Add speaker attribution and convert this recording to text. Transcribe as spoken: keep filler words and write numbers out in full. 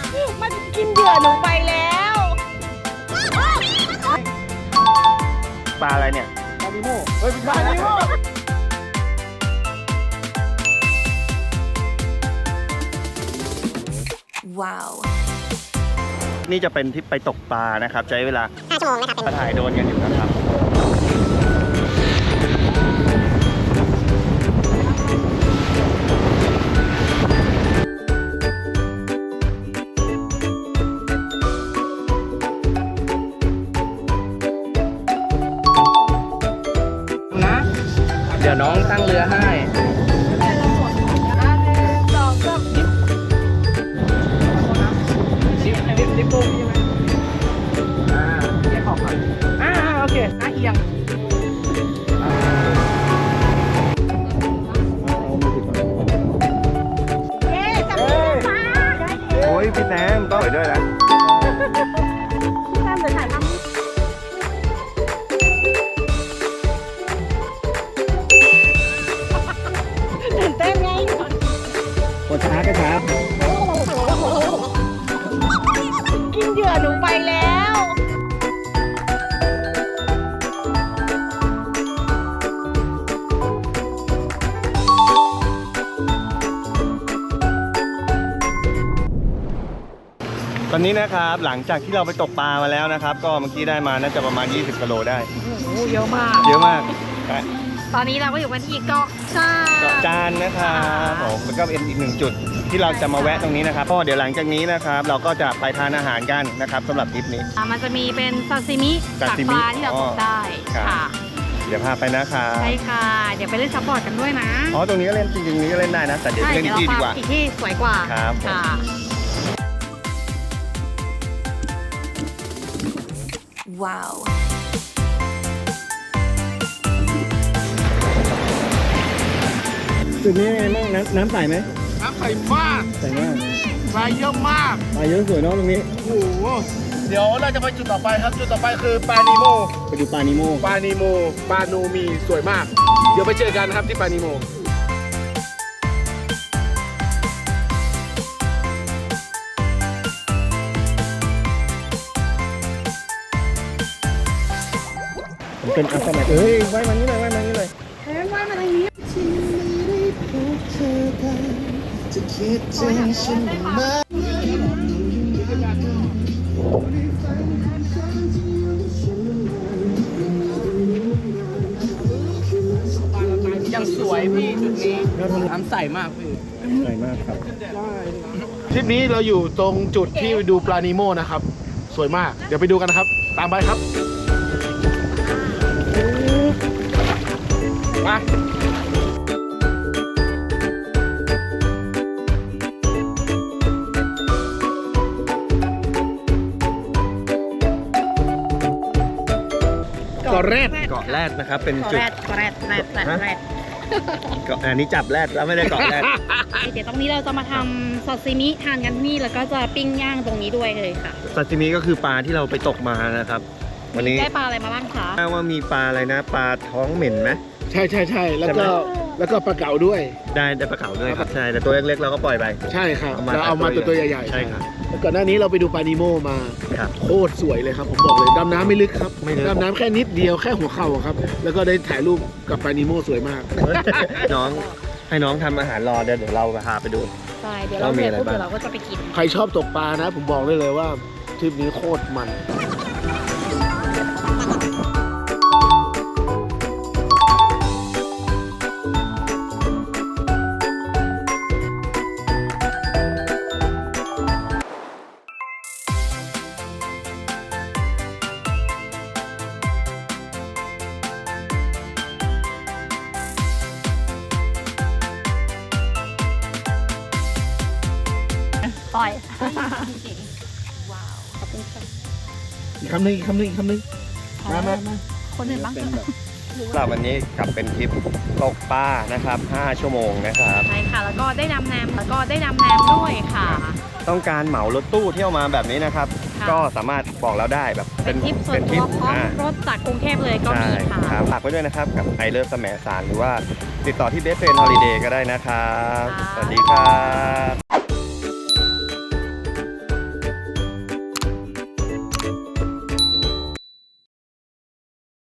Speaker 1: มันกินเหยื่อหนูไปแล้ว
Speaker 2: ปลาอะไรเนี่ยปลานิโม่เฮ้ยปลานิโม่
Speaker 3: ว้าว
Speaker 2: นี่จะเป็นทริปไปตกปลานะครับใช้เวลา
Speaker 3: ห้าชั่วโมงนะครับเป็น
Speaker 2: ถ่ายโดรนกันอยู่นะครับ
Speaker 4: นะเดี๋ยวน้องตั้งเรือให้ดิบดิบดิบปุ้งใช่ไหมอ่าแยกออกก่อนอ่าโอเคอ่ะเอียง
Speaker 2: โอ้ยพี่แซมต้องไปด้วยนะ
Speaker 1: พี่แซมเดี๋ยวถ่ายทำตื่นเต้นไง
Speaker 2: กดช้ากระช้า
Speaker 1: กินเหยื่อหนูไปแล้ว
Speaker 2: ตอนนี้นะครับหลังจากที่เราไปตกปลามาแล้วนะครับก็เมื่อกี้ได้มาน่าจะประมาณยี่สิบกิโลได้
Speaker 1: โอ้เยอะมาก
Speaker 2: เยอะมาก
Speaker 1: ตอนนี้เราก็อยู่กันที่เกาะจาน
Speaker 2: เกาะจานนะครับผมแล้วก็เป็นอีกหนึ่งจุดที่เราจะมาแวะตรงนี้นะครับเพราะเดี๋ยวหลังจากนี้นะครับเราก็จะไปทานอาหารกันนะครับสำหรับทริปนี้
Speaker 1: มันจะมีเป็นซาซิมิจากปลาที่เราตกได้ค่ะ
Speaker 2: เดี๋ยวพาไปนะครับ
Speaker 1: ใช่ค่ะเดี๋ยวไปเล่นซับบอร์ดกันด้วยนะ
Speaker 2: อ๋อตรงนี้ก็เล่นจริงๆนี้ก็เล่นได้นะแต่เดี๋ยวเล่นที่ดีกว่า
Speaker 1: อีกที่สวยกว่า
Speaker 2: ครับ
Speaker 1: ค่ะ
Speaker 3: ว้าว
Speaker 2: จุดนี้ไงบ้างน้ำน้ำใสไหม
Speaker 4: น้ำใสมาก
Speaker 2: ใสมาก
Speaker 4: ปลาเยอะมาก
Speaker 2: ปลาเยอะสวยเนาะตรงนี้
Speaker 4: โอ้โหเดี๋ยวเราจะไปจุดต่อไปครับจุดต่อไปคือปลานิโม
Speaker 2: ไปดูปลานิโม
Speaker 4: ปลานิโมปลาโนมีสวยมากเดี๋ยวไปเจอกันครับที่ปลานิโม
Speaker 2: ผมเป็นอาสาเอ้ยไว้มานี้เลยไว้มานี้เลย
Speaker 1: เฮ้ยไว้มาทางนี้
Speaker 4: จะคิดถึงฉันไหมยังสวยพี่จุดนี้น้ำใสมากพี่
Speaker 2: ใสมากครับ
Speaker 4: ทริปนี้เราอยู่ตรงจุดที่ดูปลานิโมนะครับสวยมากเดี๋ยวไปดูกันนะครับตามไปครับมาเกาะแรด
Speaker 2: เกาะแรดนะครับเป็นจุด
Speaker 1: เกาะแรดแรดแรดแรด
Speaker 2: เกาะอันนี้จับแรดแล้วไม่ได้เกาะแรด
Speaker 1: เดี๋ยวตรงนี้เราจะมาทำซาซิมิทานกันนี่แล้วก็จะปิ้งย่างตรงนี้ด้วยเลยค่ะ
Speaker 2: ซาซิมิก็คือปลาที่เราไปตกมานะครับวันนี้
Speaker 1: ได้ปลาอะไรมาบ้างคะ
Speaker 2: ว่ามีปลาอะไรนะปลาท้องเหม็นไหม
Speaker 4: ใช่ใช่ใช่แล้วก็แล้วก็ปลาเก๋าด้วย
Speaker 2: ได้ได้ปลาเก๋าด้วยครับใช่แต่ตัวเล็กๆเราก็ปล่อยไป
Speaker 4: ใช่ครับเราเอามาตัวตัวใหญ่
Speaker 2: ๆใช่ครับ
Speaker 4: ก่อนหน้านี้เราไปดูปลานิโมมาโคตรสวยเลยครับผมบอกเลยดำน้ำไม่ลึกครับดำน้ำแค่นิดเดียวแค่หัวเข่าครับแล้วก็ได้ถ่ายรูปกับปลานิโมสวยมาก
Speaker 2: น้องให้น้องทำอาหารรอเดี๋ยวเดี๋ยวเราพาไปดู
Speaker 1: ใช่เดี๋ยวเราเสร็จปุ๊บเดี๋ยวเราก็จะไปกิน
Speaker 4: ใครชอบตกปลานะผมบอกได้เลยว่าทริปนี้โคตรมัน
Speaker 1: ปล่อย
Speaker 4: อีกคำหนึ่งอีกคำหนึ่งอีกคำหนึ่งมามามา
Speaker 1: คนอื่นบ้าง
Speaker 2: สำหรับวันนี้กลับเป็นทริปตกปลานะครับห้าชั่วโมงนะครับ
Speaker 1: ใช่ค่ะแล้วก็ได้ดำน้ำแล้วก็ได้ดำน้ำด้วยค่ะ
Speaker 2: ต้องการเหมารถตู้เที่ยวมาแบบนี้นะครับก็สามารถบอกเราได้แบบ
Speaker 1: เป็นทริปส่วนตัวพร้อมรถจากกรุงเทพเลยก็มีค่ะ
Speaker 2: ฝากไว้ด้วยนะครับกับไอเลิฟแสมสารหรือว่าติดต่อที่เบสเฟรนด์ฮอลิเดย์ก็ได้นะครับสวัสดีครับ